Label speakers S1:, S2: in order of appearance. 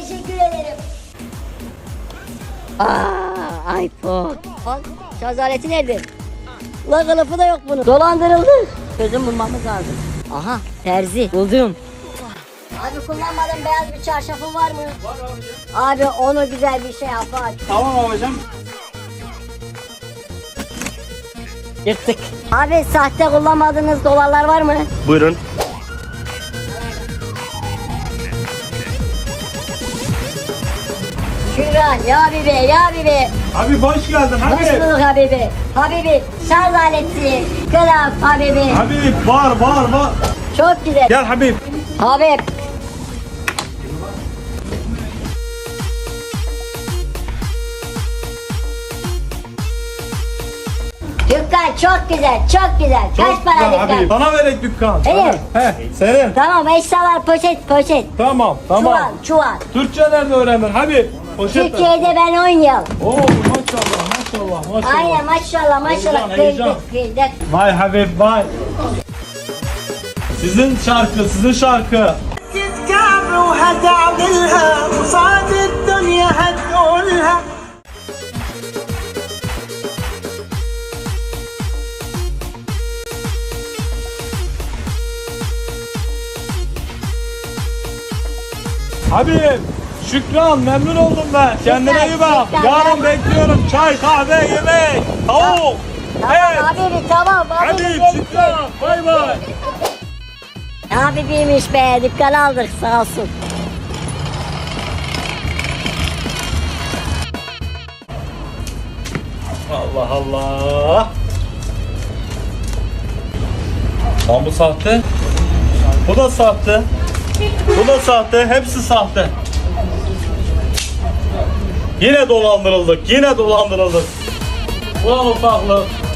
S1: teşekkür ederim. iPhone. Bak şarj aleti nerede? Ulan kılıfı da yok bunun. Dolandırıldı. Çözüm bulmamız lazım. Aha terzi buldum. Abi kullanmadığın beyaz bir çarşafın var mı?
S2: Var abi.
S1: Abi onu güzel bir şey yap bak.
S2: Tamam babacığım.
S1: Yırttık. Abi sahte kullanmadığınız dolarlar var mı?
S2: Buyurun.
S1: Şükran ya Habibi ya Habibi.
S2: Abi hoş geldin
S1: Hoş
S2: Habib.
S1: bulduk Habibi. Habibi şarj aleti. Kılaf Habibi.
S2: Habib var.
S1: Çok güzel.
S2: Gel Habib.
S1: Habib. Dükkan çok güzel, çok güzel. Kaç para dükkan?
S2: Habib. Sana verek dükkan.
S1: Evet.
S2: He, senin.
S1: Tamam eşyalar poşet.
S2: Tamam.
S1: Çuval.
S2: Türkçe nerede öğrendin Habib? Poşet ver.
S1: Türkiye'de ben 10 yıl.
S2: Oo maşallah.
S1: Aynen maşallah.
S2: Heyecan.
S1: Kıydık.
S2: Vay Habib vay. Sizin şarkı.
S3: كعب وهتعملها وصعد الدنيا هتقولها.
S2: Habib, Şükran memnun oldum ben. Kendine iyi bak.
S1: Şükran,
S2: Yarın bekliyorum. Çay, kahve, yemek, tavuk. Evet.
S1: Habibi tamam.
S2: Habib, Şükran. Bay bay.
S1: Habibiymiş be. Dükkan aldık sağ olsun.
S2: Allah Allah. Lan bu sahte. Bu da sahte. Bu da sahte. Hepsi sahte. Yine dolandırıldık. Ulan ufaklık.